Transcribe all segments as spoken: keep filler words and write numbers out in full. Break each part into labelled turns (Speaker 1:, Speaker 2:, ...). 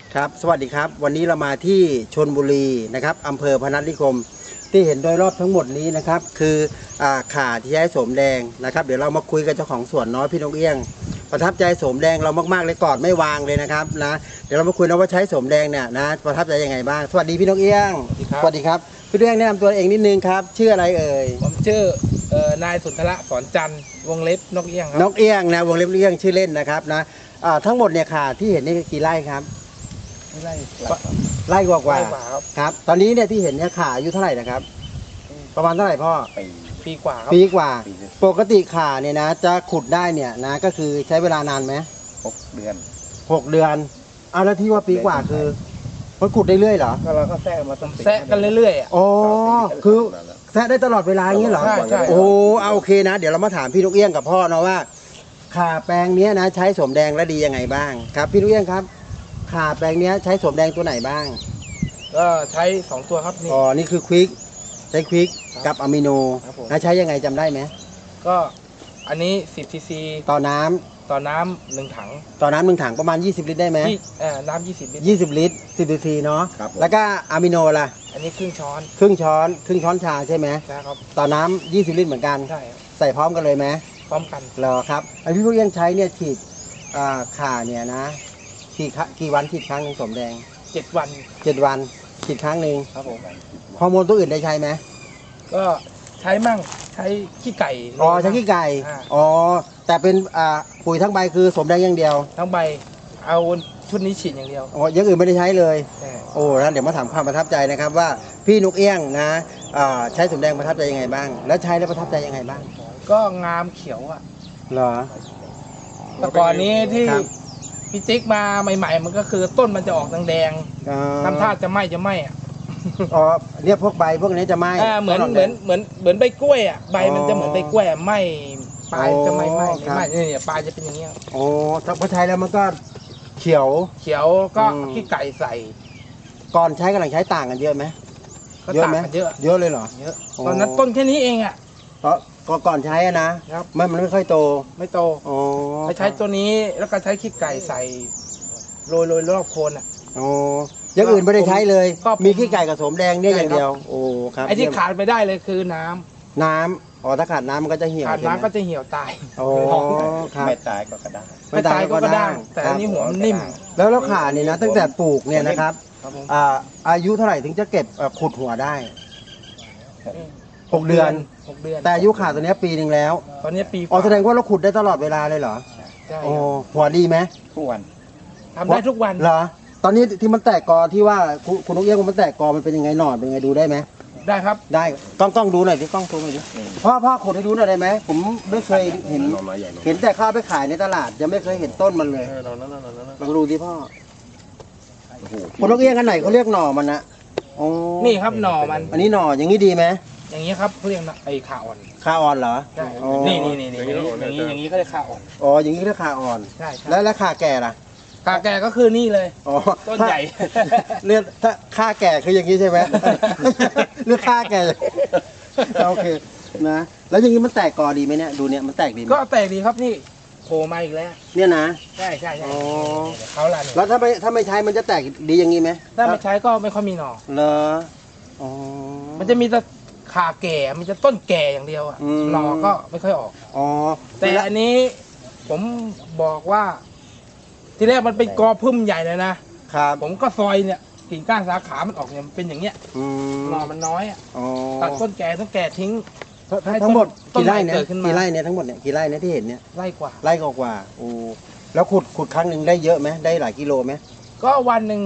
Speaker 1: ครับสวัสดีครับวันนี้เรามาที่ชลบุรีนะครับอำเภอพนัสนิคมที่เห็นโดยรอบทั้งหมดนี้นะครับคืออ่าข่าที่ใช้โสมแดงนะครับเดี๋ยวเรามาคุยกับเจ้าของสวนน้อยพี่นกเอี้ยงประทับใจโสมแดงเรามากๆเลยกอดไม่วางเลยนะครับนะเดี๋ยวเรามาคุยนะว่าใช้โสมแดงเนี่ยนะประทับใจยังไงบ้างสวัสดีพี่นกเอี้ยงสวัสดีครับพี่นกเอี้ยงแนะนำตัวเองนิดนึงครับชื่ออะไรเอ่ย
Speaker 2: ผมชื่อเอ่อนายสุนทระสอนจันทร์วงเล็บนกเอี้ยงครับ
Speaker 1: นกเอี้ยงนะวงเล็บเอี้ยงชื่อเล่นนะครับนะอ่าทั้งหมดเนี่ยข่าที่เห็นนี่กี่ไร่ครับ
Speaker 2: ไม่ไล่
Speaker 1: ไร่กว่า
Speaker 2: ไล่
Speaker 1: ๆ
Speaker 2: กว่าครับ
Speaker 1: ครับตอนนี้เนี่ยที่เห็นเนี่ยข่าอายุเท่าไหร่นะครับประมาณเท่าไหร่พ่อ
Speaker 3: ปี
Speaker 2: ปีกว่าครับ
Speaker 1: ปีกว่า
Speaker 3: ปีหนึ่ง
Speaker 1: ปกติข่าเนี่ยนะจะขุดได้เนี่ยนะก็คือใช้เวลานานไหม
Speaker 3: หกเดือน
Speaker 1: หกเดือนเอาแล้วที่ว่าปีกว่าคือมันขุดได้เรื่อยเหรอ
Speaker 3: ก็เราก็แทรกมาตั้ง
Speaker 2: แซะกันเรื่อยๆอ่ะ
Speaker 1: อ๋อคือแซะได้ตลอดเวลาอย่างนี้เหรอ
Speaker 2: ใช่ใช่
Speaker 1: โอ้เอาโอเคนะ เดี๋ยวเรามาถามพี่ลูกเอี้ยงกับพ่อนะว่าข่าแปลงเนี้ยนะใช้สมแดงแล้วดียังไงบ้างครับพี่ลูกเอี้ยงครับข่าแปลงเนี้ยใช้สมแดงตัวไหนบ้าง
Speaker 2: ก็ใช้สองตัวครับนี่
Speaker 1: อ๋อนี่คือควิกใช้ควิกกับอะมิโน
Speaker 2: ครับผม
Speaker 1: นะใช้ยังไงจำได้ไหม
Speaker 2: ก็อันนี้สิบซีซี
Speaker 1: ต่อน้ำ
Speaker 2: ต่อน้ำหนึ่งถัง
Speaker 1: ต่อน้ำหนึ่งถังประมาณยี่สิบลิตรได้ไหม
Speaker 2: ที่เอ่อน้ำยี่สิบลิตร
Speaker 1: ยี่สิบลิตรสิบซีซีเนาะ
Speaker 3: ครับผม
Speaker 1: แล้วก็อะมิโนล่ะ
Speaker 2: อันนี้ครึ่งช้อน
Speaker 1: ครึ่งช้อนครึ่งช้อนชาใช่ไหม
Speaker 2: นะครับ
Speaker 1: ต่อน้ำยี่สิบลิตรเหมือนกัน
Speaker 2: ใช่ครับ
Speaker 1: ใส่พร้อมกันเลยไหม
Speaker 2: พร้อมกัน
Speaker 1: เหรอครับไอ้พี่ลูกเอี้ยงใช้เนี่ยฉีดอ่าข่าเนี่ยนะกี่ครั้งกี่วันฉีดครั้งหนึ่งสมแดง
Speaker 2: เจ็ดวัน
Speaker 1: เจ็ดวันฉีดครั้งหนึ่ง
Speaker 2: ครับผม
Speaker 1: ฮอร์โมนตัวอื่นได้ใช้ไหม
Speaker 2: ก็ใช้มั่งใช้ขี้ไก่
Speaker 1: อ๋อใช้ขี้ไก่
Speaker 2: อ่า
Speaker 1: อ๋อแต่เป็นอ่าปุ๋ยทั้งใบคือสมแดงอย่างเดียว
Speaker 2: ทั้งใบเอาชุดนี้ฉีดอย่างเดียว
Speaker 1: อ๋ออย่างอื่นไม่ได้ใช้เลย
Speaker 2: ใช่
Speaker 1: โอ้แล้วเดี๋ยวมาถามความประทับใจนะครับว่าพี่นกเอี้ยงนะอ่าใช้สมแดงประทับใจยังไงบ้าง แล้วใช้แล้วประทับใจยังไงบ้าง
Speaker 2: ก็งามเขียวอ่ะ
Speaker 1: เหรอ
Speaker 2: แต่ก่อนนี้ที่
Speaker 1: ครับ
Speaker 2: พี่ติ๊กมาใหม่ๆ มันก็คือต้นมันจะออกแดง
Speaker 1: อ๋อ
Speaker 2: ๆทำท่าจะไหม้จะไหม้อะ
Speaker 1: อ๋อเนี่ยพวกใบพวกนี้จะไหม้
Speaker 2: อ่าเหมือน
Speaker 1: ต้
Speaker 2: เหมือนเหมือนเหมือนใบกล้วยอ่ะใบมันจะเหมือนใบกล้วยอะไหม้ปลายจะไหม้ไหม้
Speaker 1: ครับ
Speaker 2: ไหม้เนี่ยปลายจะเป็นอย่างเงี้ย
Speaker 1: โอ้ถ้าพอใช้แล้วมันก็เขียว
Speaker 2: เขียวก็
Speaker 1: อืม
Speaker 2: ขี้ไก่ใส่
Speaker 1: ก่อนใช้กับหลังใช้ต่างกันเยอะไหม
Speaker 2: ก็
Speaker 1: เยอะ
Speaker 2: ต่าง
Speaker 1: ไหม
Speaker 2: กันเยอะ
Speaker 1: เยอะเลยเหรอ
Speaker 2: เยอะ
Speaker 1: โอ้
Speaker 2: ตอนนั้นต้นแค่นี้เองอ่ะ
Speaker 1: เพราะก็ก่อนใช้อะนะครับ มันมันไม่ค่อยโต
Speaker 2: ไม่โต
Speaker 1: อ๋อ
Speaker 2: ไปใช้ตัวนี้แล้วก็ใช้ขี้ไก่ใส่โรยโรยรอบโคนอ่ะ
Speaker 1: โอ้อยังอื่นไม่ได้ใช้เลย
Speaker 2: ก็ผม
Speaker 1: มีขี้ไก่กับสมแดงเนี่ย
Speaker 2: ใช่
Speaker 1: อย่าง
Speaker 2: ครับ
Speaker 1: เดียวโอ้ครับ
Speaker 2: ไอ้ที่
Speaker 1: เยี่ยม
Speaker 2: ขาดไปได้เลยคือน้ำ
Speaker 1: น้ำอ๋อถ้าขาดน้ำมันก็จะเหี่ยว
Speaker 2: ขาด
Speaker 1: ใช่ไหม
Speaker 2: น้ำก็จะเหี่ยวตาย
Speaker 1: โอ้ครับ
Speaker 3: ไม่ตายก็กระด้าง
Speaker 2: ไม่ตายก็กระด้างแต่อันนี้หัวมันนิ่ม
Speaker 1: แล้วแล้วขาเนี่ยนะตั้งแต่ปลูกเนี่ยนะครับ
Speaker 2: ครับผม
Speaker 1: อ่าอายุเท่าไหร่ถึงจะเก็บเอ่อขุดหัวได้หกเดือน
Speaker 2: หกเดือน
Speaker 1: แต่อายุขาตัวเนี้ยปีหนึ่งแล้ว
Speaker 2: ตอนนี้ปีก
Speaker 1: อ๋อ
Speaker 2: ว่า
Speaker 1: แสดงว่าเราขุดได้ตลอดเวลาเลยเหรอ
Speaker 2: ใช่
Speaker 1: โอ้หัวดีไหม
Speaker 3: ทุกวัน
Speaker 2: ทำได้ทุกวัน
Speaker 1: เหรอตอนนี้ที่มันแตกกอที่ว่าคุณคุณนกเอี้ยงมันแตกกอมันเป็นยังไงหนอนเป็นยังไงดูได้ไหม
Speaker 2: ได้ครับ
Speaker 1: ได้กล้องกล้องดูหน่อยดิกล้องดูหน่อยดิ
Speaker 3: นี่
Speaker 1: พ่อพ่อขุดให้ดูหน่อยได้ไหมผมไม่เคยเห็น
Speaker 3: หน่อไม้ใหญ่หน่อ
Speaker 1: เห็นแต่ข้าวไปขายในตลาดยังไม่เคยเห็นต้นมันเลย
Speaker 3: เรานั่นนั่นนั่น
Speaker 1: ลองดูดิพ่อ
Speaker 3: โอ้โห
Speaker 1: คุณนกเอี้ยงอันไหนเขาเรียกหน่อมันนะโอ้
Speaker 2: นี่ครับหน่อมัน
Speaker 1: อันนี้หน่ออย่างนี้ดีไหม
Speaker 2: อย่างนี้ครับเขาเรียกนะไอ้ขาอ่อน
Speaker 1: ขาอ่อนเหรอ
Speaker 2: ใช่
Speaker 1: อ๋อ
Speaker 2: นี่นี่นี่นี่อย่างนี้อย่างนี้ก็เรียกขาอ่อน
Speaker 1: อ๋ออย่างนี้เรียกขาอ่อน
Speaker 2: ใช่ใช่
Speaker 1: แล้วแล้วขาแก่ล่ะ
Speaker 2: ขาแก่ก็คือนี่เลย
Speaker 1: อ๋อ
Speaker 2: ต้นใหญ่
Speaker 1: เรียกถ้าค่าแก่คืออย่างนี้ใช่ไหม เรียกค่าแก่โอเคนะแล้วอย่างนี้มันแตกกอดีไหมเนี่ยดูเนี่ยมันแตกดีไหม
Speaker 2: ก็แตกดีครับนี่โผล่มาอีกแล้ว
Speaker 1: เนี่ยนะ
Speaker 2: ใช่ใช่ใช่
Speaker 1: อ๋อ
Speaker 2: เขาละเนี่ย
Speaker 1: แล้วถ้าไม่ถ้าไม่ใช้มันจะแตกดีอย่างนี้ไหม
Speaker 2: ถ้าไม่ใช้ก็ไม่ค่อยมีหน่อ
Speaker 1: เหรออ๋อ
Speaker 2: มันจะมีแต่ขาแก่มันจะต้นแก่อย่างเดียวอะ
Speaker 1: อืม
Speaker 2: หน่อก็ไม่ค่อยออก
Speaker 1: อ๋อ
Speaker 2: แต่อันนี้ผมบอกว่า ทีแรกมันเป็นกอพุ่มใหญ่เลยนะครับ ผมก็ซอยเนี่ยกิ่งก้านสาขามันออกเนี่ยมันเป็นอย่างเงี้ย
Speaker 1: อืม
Speaker 2: หน่อมันน้อยอะ
Speaker 1: อ๋อ
Speaker 2: ตัดต้นแก่ต้นแก่ทิ้ง ให้
Speaker 1: ทั้งหมด
Speaker 2: ต้น
Speaker 1: กี่ไร่เนี่ย
Speaker 2: เกิดขึ้นมา
Speaker 1: กี่ไร่เนี่ยทั้งหมดเนี่ยกี่ไร่เนี่ยที่เห็นเนี่ย
Speaker 2: ไร่กว่า
Speaker 1: ไร่กว่าๆโอ้แล้วขุดขุดครั้งหนึ่งได้เยอะไหมได้หลายกิโลไหม
Speaker 2: ก็วันหนึ่ง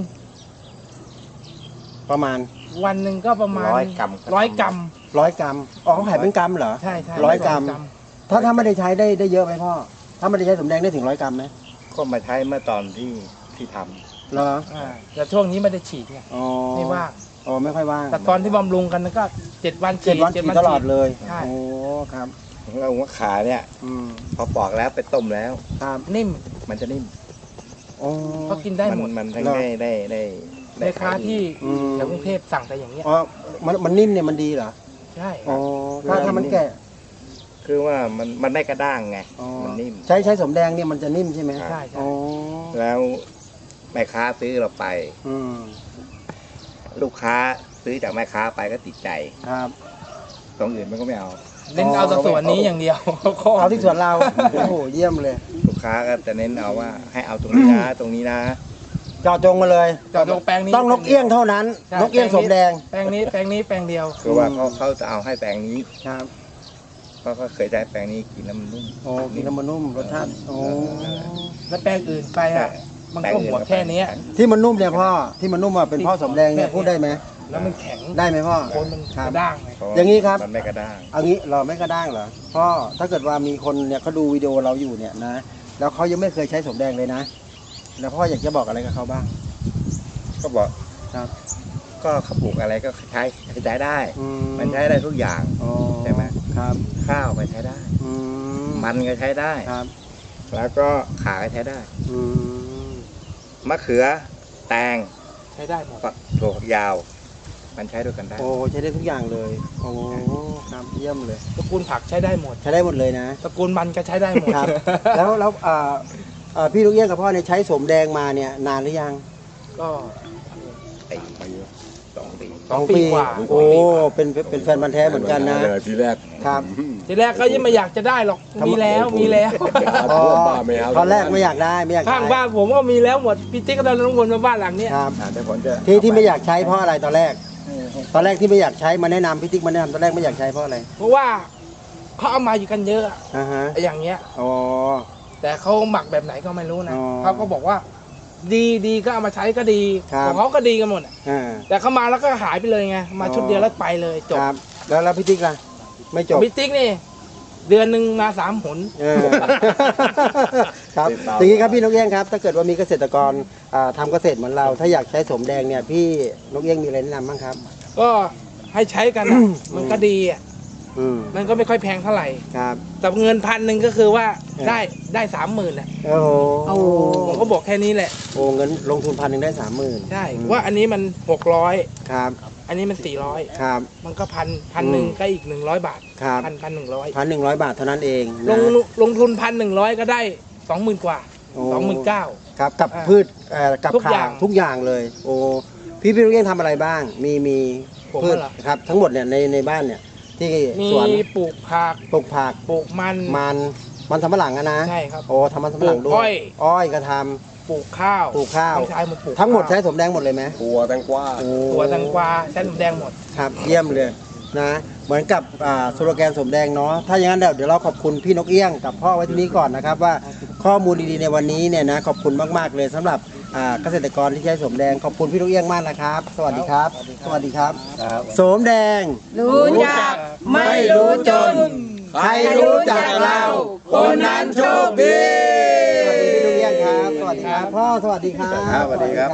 Speaker 1: ประมาณ
Speaker 2: วันหนึ่งก็ประมาณ
Speaker 3: ร้อยกรัม
Speaker 2: ร้อยกรัม
Speaker 1: ร้อยกรัมอ๋อเขาขายเป็นกรัมเหรอ
Speaker 2: ใช่ใช่
Speaker 1: ร้อยกรัม ถ้าถ้าไม่ได้ใช้ได้ได้เยอะไหมพ่อถ้าไม่ได้ใช้สมแดงได้ถึงร้อยกรัมไหม
Speaker 3: ก็มาใช้เมื่อตอนที่ที่ท
Speaker 1: เหรอ
Speaker 2: อ่าแต่ช่วงนี้ไม่ได้ฉีดไง
Speaker 1: อ๋อ
Speaker 2: ไม่ว่าง
Speaker 1: อ๋อไม่ค่อยว่าง
Speaker 2: แต่ตอนที่บำรุงกันก็เจ็ดวันฉี
Speaker 1: เจ็ด
Speaker 2: ด
Speaker 1: วันฉีดตลอดเลย
Speaker 2: ใช่
Speaker 1: โอ้ครับ
Speaker 3: ำของเราว่าขาเนี่ย
Speaker 1: อืม
Speaker 3: พอปอกแล้วไปต้มแล้ว
Speaker 1: ครับ
Speaker 2: นิ่ม
Speaker 3: มันจะนิ่ม
Speaker 1: อ๋อ
Speaker 2: เขากินได้หมด
Speaker 3: นมันทั้ง
Speaker 1: เหรอ
Speaker 3: ได้ได้ได้
Speaker 2: แม่ค้าที่
Speaker 1: อืม
Speaker 2: แถวกรุงเทพสั่งแต่อย่างเงี้ย
Speaker 1: อ๋อมันมันนิ่มเนี่ยมันดีเหรอ
Speaker 2: ใช่
Speaker 1: อ๋อถ้าถ้ามันแก่
Speaker 3: คือว่ามันมันได้กระด้างไง
Speaker 1: อ๋อ
Speaker 3: มันนิ่ม
Speaker 1: ใช้ใช้สมแดงเนี่ยมันจะนิ่มใช่ไหม
Speaker 2: ใช่ใช่
Speaker 1: อ๋อ
Speaker 3: แล้วแม่ค้าซื้อเราไป
Speaker 1: อืม
Speaker 3: ลูกค้าซื้อจากแม่ค้าไปก็ติดใจ
Speaker 1: ครับ
Speaker 3: ตรงอื่นมันก็ไม่เอา
Speaker 2: เน้นเอาแต่ส่วนนี้อย่างเดียว
Speaker 1: เอาที่สวนเรา โอ้โหเยี่ยมเลย
Speaker 3: ลูกค้าก็จะเน้นเอาว่าให้เอาตรงนี้นะตรงนี้นะ
Speaker 1: เจาะจงมาเลย
Speaker 2: จอดลงแปลงนี้
Speaker 1: ต้องนกเอี้ยงเท่านั้น
Speaker 2: ใช่
Speaker 1: นกเอี้ยงสมแดง
Speaker 2: แปลงนี้แปลงนี้แปลงเดียว
Speaker 3: คือว่าเขาเขาจะเอาให้แปลงนี้
Speaker 1: ครับ
Speaker 3: เพราะเขาเคยได้แปลงนี้กินแล้วมันนุ่ม
Speaker 1: โอ้กินแล้วมันนุ่มรสชาติโอ้
Speaker 2: แล้วแปลงอื่นไปอ่ะมันก็หัวแค่เนี้ย
Speaker 1: ที่มันนุ่มเนี่ยพ่อที่มันนุ่มอ่ะเป็นพ่อสมแดงเนี่ยพูดได้ไหม
Speaker 2: แล้วมันแข็ง
Speaker 1: ได้ไหมพ่อ
Speaker 2: โคนมัน
Speaker 1: ค
Speaker 2: ก
Speaker 1: รับ
Speaker 2: ระด้างไง
Speaker 3: เพราะว่า
Speaker 1: อย่างนี้ครับ
Speaker 3: มันไม่กระด้าง
Speaker 1: เอางี้เราไม่กระด้างเหรอพ่อถ้าเกิดว่ามีคนเนี่ยเขาดูวิดีโอเราอยู่เนี่ยนะแล้วเขายังไม่เคยใช้สมแดงเลยนะ แล้วพ่ออยากจะบอกอะไรกับเขาบ้าง
Speaker 3: ก็บอก
Speaker 1: ครับ
Speaker 3: ก็เขาปลูกอะไรก็ใช้ใช้ได้
Speaker 1: อื
Speaker 3: มันใช้ได้ทุกอย่าง
Speaker 1: อ๋อ
Speaker 3: ใช่ไหม
Speaker 1: ครับ
Speaker 3: ข้าวก็ใช้ได้
Speaker 1: อืม
Speaker 3: มันก็ใช้ได้
Speaker 1: ครับ
Speaker 3: แล้วก็ขาก็ใช้ได้
Speaker 1: อืม
Speaker 3: มะเขือแตง
Speaker 2: ใช้ได้หมด
Speaker 3: ฝักถั่วฝักยาว มันใช้ด้วยกันได้
Speaker 1: โอ้ใช้ได้ทุกอย่างเลยโอ้ครับเยี่ยมเลย
Speaker 2: ตระกูลผักใช้ได้หมด
Speaker 1: ใช้ได้หมดเลยนะ
Speaker 2: ตระกูลมันก็ใช้ได้หมด
Speaker 1: ครับ แล้วแล้วเอ่อเอ่อพี่ลูกเอี้ยงกับพ่อเนี่ยใช้สมแดงมาเนี่ยนานหรือยัง
Speaker 2: ก็
Speaker 3: ไอ้สองปี
Speaker 2: สองปีกว่า
Speaker 1: โอ้เป็นเป็นเป็นแฟนพันธุ์แท้เหมือนกันนะ
Speaker 4: เลยทีแรก
Speaker 1: ครับ
Speaker 2: ทีแรกก็ยังไม่อยากจะได้หรอก
Speaker 1: ทำไม
Speaker 2: มีแล้วมีแล้ว
Speaker 1: อ๋อ
Speaker 4: บ้าไม่เอา
Speaker 1: ตอนแรกไม่อยากได้ไม่อยาก
Speaker 2: ข้าง
Speaker 1: ได้
Speaker 2: บ้านผมก็มีแล้วหมดพี่ติ๊กก็ได้ทั้งคนมาบ้านหลังเนี้ย
Speaker 1: ครับ
Speaker 3: อ่าแต่ผมจะ
Speaker 1: ที่ที่ไม่อยากใช้เพราะอะไรตอนแรก ตอนแรกที่ไม่อยากใช้มาแนะนำพี่ติ๊กมาแนะนำตอนแรกไม่อยากใช้เพราะอะไร
Speaker 2: เพราะว่าเขาเอามาอยู่กันเยอะอะ
Speaker 1: อ่าฮะ
Speaker 2: อย่างเงี้ย
Speaker 1: อ๋อ
Speaker 2: แต่เขาหมักแบบไหนก็ไม่รู้นะ
Speaker 1: อ๋อ
Speaker 2: เขาก็บอกว่า ดีดีก็เอามาใช้ก็ดี
Speaker 1: ครับ
Speaker 2: ของเขาก็ดีกันหมดอะ
Speaker 1: อ่า
Speaker 2: แต่เขามาแล้วก็หายไปเลยไงมาชุดเดียวแล้วไปเลยจบ
Speaker 1: ครับแล้วแล้วพี่ติ๊กล่ะไม่จบ
Speaker 2: พี่ติ๊กนี่ เดือนหนึ่งมาสามหน
Speaker 1: เออ ครับอย่างนี้ครับพี่นกเอี้ยงครับ ถ้าเกิดว่ามีเกษตรกรอ่าทำเกษตรเหมือนเรา ถ้าอยากใช้สมแดงเนี่ยพี่นกเอี้ยงมีอะไรแนะนำบ้างครับ
Speaker 2: ก็ให้ใช้กันอะมันก็ดีอ่ะ
Speaker 1: อืม
Speaker 2: มันก็ไม่ค่อยแพงเท่าไหร่
Speaker 1: ครับ
Speaker 2: แต่เงินพันหนึ่งก็คือว่า
Speaker 1: เออ
Speaker 2: ได้ได้สามหมื่นแหละ
Speaker 1: โอ้โห
Speaker 2: ผมก็บอกแค่นี้แหละ
Speaker 1: โอ้เงินลงทุนพันหนึ่งได้สามหมื่น
Speaker 2: ใช่ว่าอันนี้มันหกร้อย
Speaker 1: ครับ
Speaker 2: อันนี้มันสี่ร้อย
Speaker 1: ครับ
Speaker 2: มันก็พันพันหนึ่ง
Speaker 1: อืม
Speaker 2: ก็อีกหนึ่งร้อยบาท
Speaker 1: ครับ
Speaker 2: พันพันหนึ่งร้อย
Speaker 1: พันหนึ่งร้อยบาทเท่านั้นเอง
Speaker 2: ล
Speaker 1: นะ
Speaker 2: งลงทุนพันหนึ่งร้อยก็ได้สองหมื่นกว่า
Speaker 1: โอ้
Speaker 2: สองหมื่นเก้า
Speaker 1: ครับกับ
Speaker 2: อ่า
Speaker 1: พืชเอ่อกับ
Speaker 2: ทุก
Speaker 1: ข่า
Speaker 2: อย่าง
Speaker 1: ทุกอย่างเลย โอ้พี่พี่นกเอี้ยงทำอะไรบ้าง มีมี
Speaker 2: ผม
Speaker 1: พืช
Speaker 2: เหรอ
Speaker 1: ครับ ทั้งหมดเนี่ยในในบ้านเนี่ย ที่
Speaker 2: มี
Speaker 1: สวน
Speaker 2: ปลูกผัก
Speaker 1: ปลูกผัก
Speaker 2: ปลูกมัน
Speaker 1: มันมันสำปะหลังอะนะ
Speaker 2: ใช่ครับ
Speaker 1: โอ้ทำมันสำปะหลังด้
Speaker 2: ปลูกอ้
Speaker 1: ว
Speaker 2: อย ย
Speaker 1: อ้อยก็ท
Speaker 2: ปลูกข้าว
Speaker 1: ปลูกข้าว
Speaker 2: น้องชายมันปลูก
Speaker 1: ำทั้งหมด
Speaker 2: ข้าว
Speaker 1: ใช้สมแดงหมดเลยไหม
Speaker 4: ตัวแตงกวา
Speaker 1: โอ้
Speaker 2: ตัวแตงกวาใช้หนูแดงหมด
Speaker 1: ครับเยี่ยมเลยนะเหมือนกับอ่าสโลแกนสมแดงเนาะถ้าอย่างนั้นเดี๋ยวเดี๋ยวเราขอบคุณพี่นกเอี้ยงกับพ่อไว้ที่นี้ก่อนนะครับว่าข้อมูลดีๆในวันนี้เนี่ยนะขอบคุณมากๆเลยสำหรับอ่าเกษตรกรที่ใช้สมแดงขอบคุณพี่นกเอี้ยงมากนะครับ สวัสดีครับ สวัสดีครับสมแดง
Speaker 5: รู้จักไม่รู้จน
Speaker 1: ใครรู้จักเรา คนนั้นโชคดีสวัสดีพี่นกเอี้ยงครับ สวัสดีครับพ่อสวัสดีครับ
Speaker 3: ครับสวัสดีครับ